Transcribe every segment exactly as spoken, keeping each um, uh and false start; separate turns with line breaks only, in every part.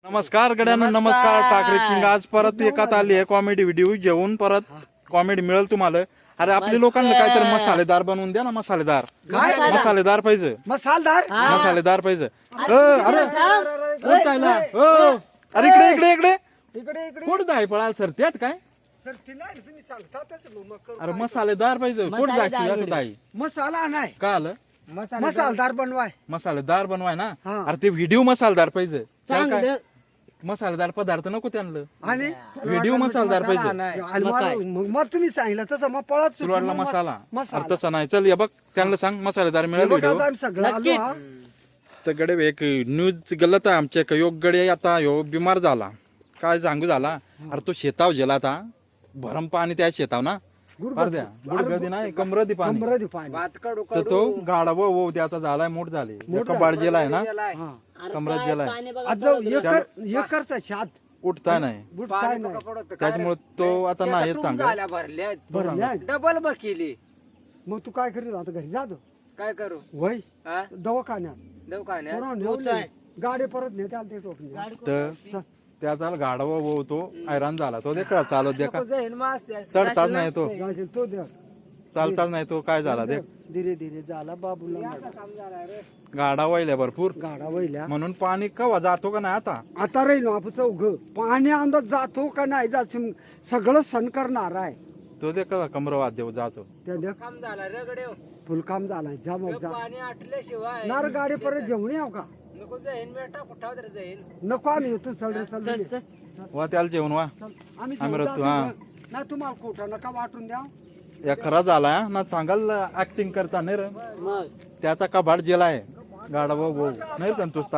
नमस्कार गड्यांनो, नमस्कार. टाकरे किंग आज परत एकात आली आहे कॉमेडी व्हिडिओ जेवून परत कॉमेडी मिळेल तुम्हाला. अरे आपल्या लोकांना काहीतरी मसालेदार बनवून द्या ना. मसालेदार मसालेदार पाहिजे.
मसालदार
मसालेदार पाहिजे. अ, अरे कोण चालला? हो. अरे इकडे इकडे इकडे
इकडे इकडे
कुठं जाय पळाल सर त्यात काय?
सर तिला तुम्ही सांगतातच मग करू.
अरे मसालेदार पाहिजे. कुठं जायचं असं ताई
मसाला नाही
का आलं?
मसालदार बनवाय
मसालेदार बनवाय ना.
हा.
अरे ते व्हिडिओ मसालेदार पाहिजे. त्याला काय?
चांगलं.
मसालेदार पदार्थ नको त्यांना.
आणि
व्हिडिओ मसालेदार पाहिजे.
आणि मला- मग मग तुम्ही सांगितलं तसं मग पळत सुटलो.
तुला
मग
मसाला
मसाला
अरे तसं नाही. चल या बघ त्यांना सांग मसालेदार मिळेल
बघा,
व्हिडिओ.
आज आम्ही सगळं आलो हा.
तर गडे एक न्यूज गलत आहे आमच्या एक योग गडे आता ह्यो बिमार झाला. काय सांगू झाला? अरे तो शेताव गेला आता भरम पाणी त्या शेताव ना अर्ध्या गुडगदी नाही कमरदी पाणी
कमरदी पाणी
तर तो गाडा वो वो त्याचा झालाय मोठ झाले कबाड जेलाय ना कमरत जेलाय.
आज जाऊ एकर एकरचा शात
उठता नाही
गुटताय नाही
त्याच्यामुळे तो आता नाही येत सांगा.
भरल्या.
डबल बकेली
मग तू काय करील आता घरी जातो
काय करू
वय
हा
दवाखान्यात
दवाखान्यात
पोरं नेवली. गाडी परत नेते आले ते टोपणे.
तर त्याचा गाडा वो वो तो हैराण झाला. तो देखा चालत देखा
जाईन मास त्या
चढताच नाही तो
जायचं तो द्या
चालताच नाही तो काय झाला देख
धीरे धीरे झाला बाबूला
गाडा वळल्या भरपूर
गाडा वहिल्या
म्हणून पाणी कवा जातो का नाही आता.
आता राहील आपण चौघ पाणी अंदाज जातो का नाही जातो सगळं सण करणार आहे.
तो दे का कमरवाद देव जातो.
त्या देख
काम झाला रगडे
फुलकाम झालाय जा मग जा
पाणी आटल्याशिवाय
नार गाडी परत जेवण याव का
नको जाईन बेटा कुठा तर जाईन
नको आम्ही येतो चल रे चल चल
वा त्याला जेवण वा
आम्ही
आम्ही
जेवू,
रचतो,
जातो.
हा.
नाही तुम्हाला खोटा नका वाटून द्या.
या खरा झाला ना सांगाल ऍक्टिंग करता नाही रे
मग
त्याचा कबाड जेला आहे गाडा भाऊ भाऊ नाही संतुष्टा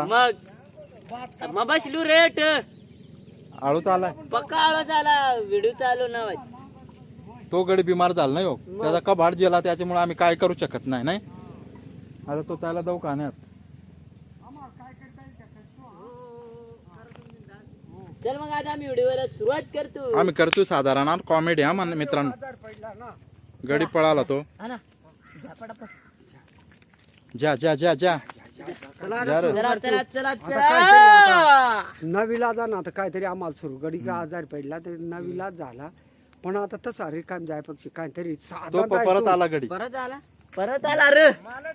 मग मग बसलू रेट
आळूच आलाय
पक्का आळो झाला व्हिडिओ चालू ना
तो गडी बिमार झाला नाही हो त्याचा कबाड जेला त्याच्यामुळे आम्ही काय करू शकत नाही नाही आता तो त्याला दवाखान्यात.
चल मग आता आम्ही व्हिडिओला सुरुवात करतो
आम्ही करतो साधारण कॉमेडी हा मान मित्रांनो.
आजार पडला ना
गडी पळाला तो
हा ना
जा जा जा जा
चला
जा रे.
चला चला चला
आता
चला
काहीतरी नवीला जा ना आता काहीतरी आम्हाला सुरू गडी का आजार पडला तर नवीला झाला पण आता तसा रिकाम जायपेक्षा काहीतरी
तो
साधा
प- परत आला गडी
परत आला परत आला रे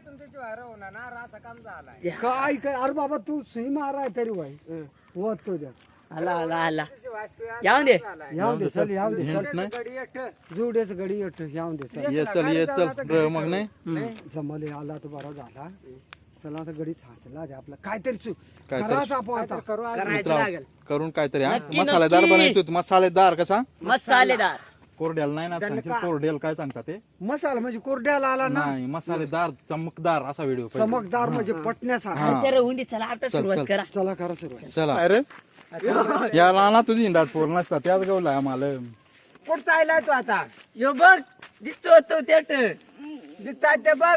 काय कर अरे बाबा तू सुई माराय तरी वाई वत तो द्या
आला आला आला यावून दे
याव दे चल याव दे
हिंट नाही
जुडेच गडी येत याव दे चल
ये चल ये चल र मग नाही
जमले आला तर बरा झाला चला आता गडी साचला रे आपला काहीतरी चू
काहीतरी.
करायचं आपण आता
करायचं
मित्रांनो,
लागेल
करून काहीतरी हा
नक्की,
मसालेदार
नक्की.
बनायचो मसालेदार कसा
मसालेदार
कोरडेल नाही ना सांगशील कोरडेल काय सांगता ते
मसाला म्हणजे कोरड्याला आला ना
नाही मसालेदार चमकदार असा व्हिडिओ
चमकदार म्हणजे पटण्यासारखा
तर होऊन दे चला आता सुरुवात करा
चला करा सुरुवात
चला अरे याला ना तुझी इंडाट पोर नसता त्याच गवला आम्हाला.
कुठं चाललाय तू आता यो बघ दिसतो तो तेट दिसता ते बघ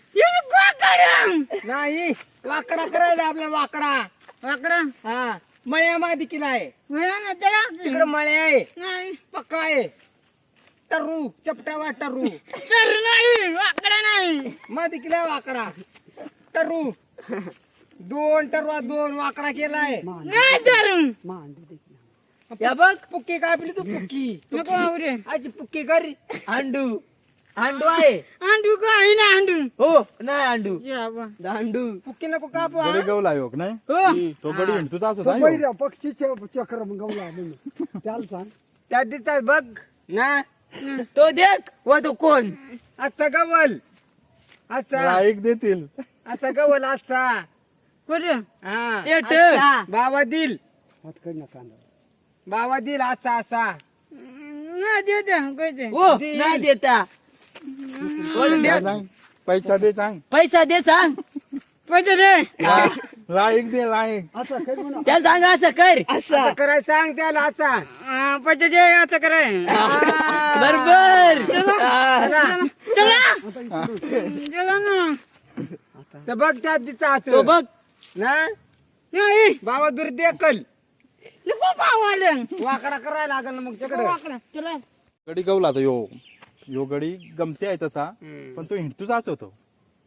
नाही वाकडा करायला आपला वाकडा वाकडा हा मळ्या मादी किला आहे तिकडे मळे आहे पक्का आहे टरू चपटा वा टरू नाही वाकडा नाही मादी किला वाकडा टरू दोन टरवा दोन वाकडा केलाय
मांडी दे
या बघ पुक्की काय आपली तू पुक्की आजी पुक्की कर अंडू अंडू आहे
अंडू काही ना अंडू
हो नाही अंडू
या
अंडू पुक्की नको कापू हा?
गडी गवला योग नाही
हो
तो गडी हिंडतो तास
तो
होता ह्यो.
पहिल्या पक्षी चक्र मग गवला म्हणून त्याला सांग
त्या दिसतात बघ ना तो देख व तो कोण आजचा गवल आजचा
लाईक देतील
असा गवल आजचा
कुठे
हा बाबा दिल
हातकड ना कांदा
बाबा दिल असा असा
ना देते कैसे
हो नाही देता हो, दे.
काय सांग पैसा दे सांग
पैसा दे सांग
पैसे दे
लाईक दे लाईक
असं काही म्हणा
त्याला सांग असं कर असं करायचं सांग त्याला असा
हा, पैसे दे आता कराय
बरोबर
चला चला ना
तर बघ त्यात दिसा तो बघ ना
नाही
बाबा दूर देखल
नको पाव आलं
वाकडा करायला लागल ना मग तिकडे
वाकडा चला
गडी गवला तो यो यो गडी गमते आहे तसा पण तो हिंडतूच आज होतो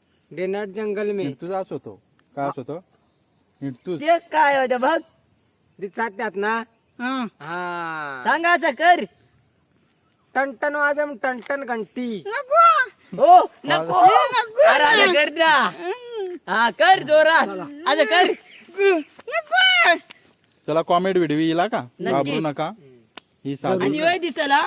डेनाट जंगल में
हिंडतूच आज होतो काय होतो हिंडतूच
ते काय होतं बघ दिसतात त्यात ना
हा
हा
सांगा असं कर.
टनटन वाजम टनटन घंटी
नको
हो नको अरे असं कर ना. हा कर जोरात असं कर.
नको
चला कॉमेडी व्हिडिओ येईल का घाबरू नका ही साधी
आणि होय दिसला